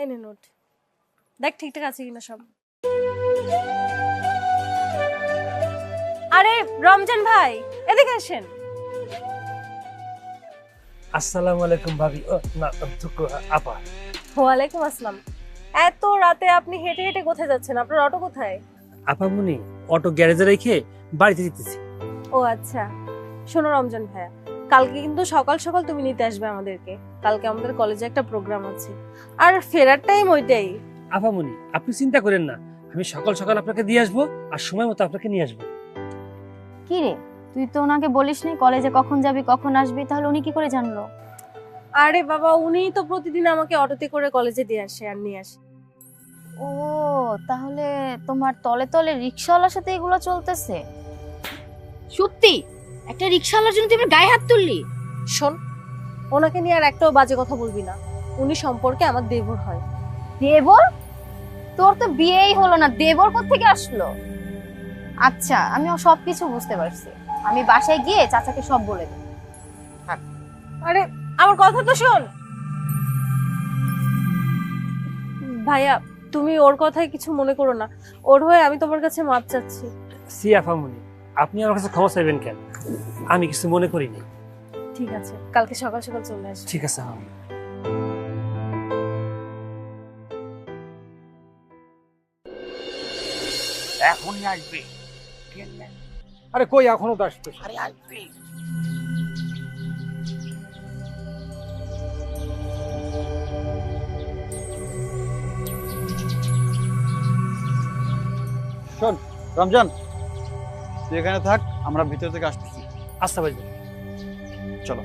এই নে নোট, দেখ ঠিকঠাক আছে কিনা সব। আরে রমজান ভাই এদিকে আসেন। আসসালামু আলাইকুম ভাবি। না আপা। ওয়ালাইকুম আসসালাম। এত রাতে আপনি হেঁটে হেঁটে কোথায় যাচ্ছেন? আপনার অটো কোথায়? আপামনি অটো গ্যারেজে রেখে বাড়িতে যেতেছি। ও আচ্ছা, শোনো রমজান ভাইয়া, কালকে কিন্তু সকাল সকাল তুমি নিতে আসবে আমাদেরকে। কালকে আমাদের কলেজে একটা প্রোগ্রাম আছে, আর ফেরার টাইম ওইটাই। আপামনি আপনি চিন্তা করেন না, আমি সকাল সকাল আপনাকে দিয়ে আসবো আর সময় মতো আপনাকে নিয়ে আসবো। কি রে, তুই তো ওনাকে বলিসনি কলেজে কখন যাবি কখন আসবি, তাহলে উনি কি করে জানলো? আরে বাবা, উনিই তো প্রতিদিন আমাকে অটোতে করে কলেজে দিয়ে আসে আর নিয়ে আসে। ও, তাহলে তোমার তলে তলে রিকশাওয়ালার সাথে এগুলো চলতেছে? সত্যি একটা রিকশাওয়ালার জন্য তুই আমার গায়ে হাত তুললি? শোন, ওনাকে নিয়ে আর একটাও বাজে কথা বলবি না। উনি সম্পর্কে আমার দেবর হয়। দেবর? তোর তো বিয়েই হলো না, দেবর কোত্থেকে আসলো? আচ্ছা, আমি সবকিছু বুঝতে পারছি। আমি বাসায় গিয়ে চাচাকে সব বলে দেব। আরে আমার কথা তো শোন ভাইয়া, তুমি ওর কথায় কিছু মনে করো না। ওর হয়ে আমি তোমার কাছে মাপ চাচ্ছি। সি আপামনি, আপনি আমার কাছে ক্ষমা চাইবেন কেন? আমি কিছু মনে করিনি। ঠিক আছে, কালকে সকাল সকাল চলে আসবে। ঠিক আছে আপামনি। এখনই আসবে। আরে কই এখনো তো আসতে? আরে আসবে। শোন রমজান, তুই এখানে থাক, আমরা ভিতর থেকে আসতেছি। আচ্ছা ভাই। চলো।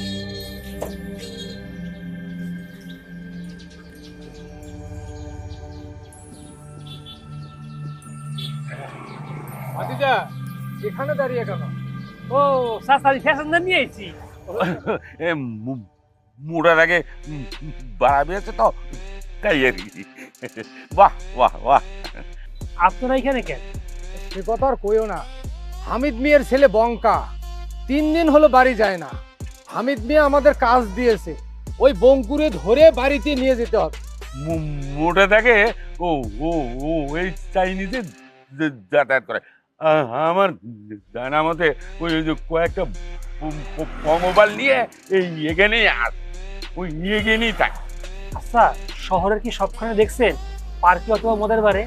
ভাতিজা, এখানে দাঁড়িয়ে কেন? ও সাসারি ফ্যাশন নিয়ে আইছি। এ মুড়ার আগে বাড়াবে আছে তো, তাই আর কি। বাহ বাহ বাহ। আপনারা এখানে কেন? সে কথা আর কইও না। হামিদ মিয়ার ছেলে বঙ্কা 3 দিন হলো বাড়ি যায় না। হামিদ মিয়া আমাদের কাজ দিয়েছে, ওই বঙ্কুরে ধরে বাড়িতে নিয়ে যেতে হবে। মোটা থাকে ও ও ও এই চাইনিজে যাতায়াত করে। আমার জানা মতে ওই যে কয়েকটা মোবাইল নিয়ে এই এখানেই আস, ওই এখানেই থাকে। আচ্ছা, শহরের কি সবখানে দেখছেন পার্কে অথবা মদের বারে?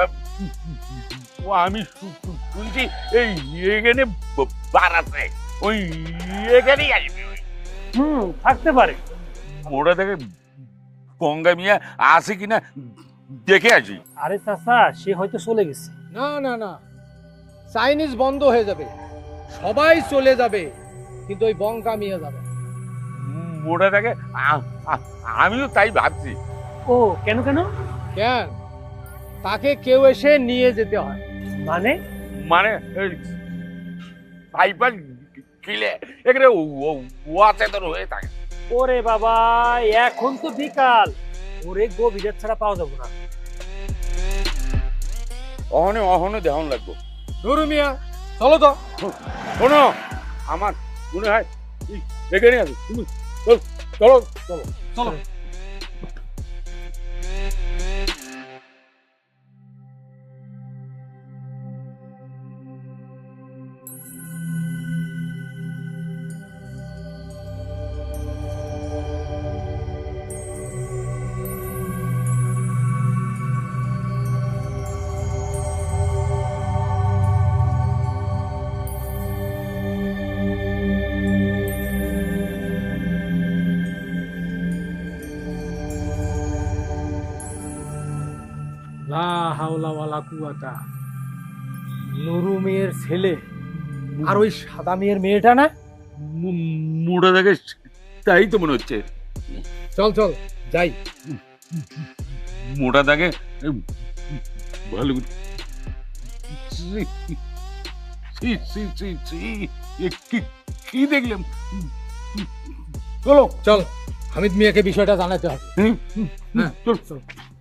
ও আমি শুনছি এই এখানে বার আছে, ওই এখানেই আসবে। থাকতে পারে। মোটা থেকে গঙ্গা মিয়া আছে কিনা দেখে আসি। আরে চাচা, সে হয়তো চলে গেছে। না না না, চাইনিজ বন্ধ হয়ে যাবে, সবাই চলে যাবে, কিন্তু ওই বঙ্কা মিয়া যাবে। মোটা থেকে আমিও তাই ভাবছি। ও কেন কেন? কেন? তাকে কেউ এসে নিয়ে যেতে হয়। মানে? মানে পাইপার কিলে এখানে অচেতন হয়ে থাকে। ওরে বাবা, এখন তো বিকাল, ওরে গভীর ছাড়া পাওয়া যাবো না। অহনে অহনে দেহন লাগবো। নুরু মিয়া, চলো তো। শোনো, আমার মনে হয় এখানে আছে, তুমি চলো চলো চলো। লা হাওলা ওয়ালা কুওয়াতা। নুরু মেয়ের ছেলে আর ওই সাদা মেয়ের মেয়েটা না? মোটা থেকে তাই তো মনে হচ্ছে। চল চল যাই। মোটা থাকে ভালো কি দেখলাম। চলো চল, হামিদ মিয়াকে বিষয়টা জানাতে হবে। চল।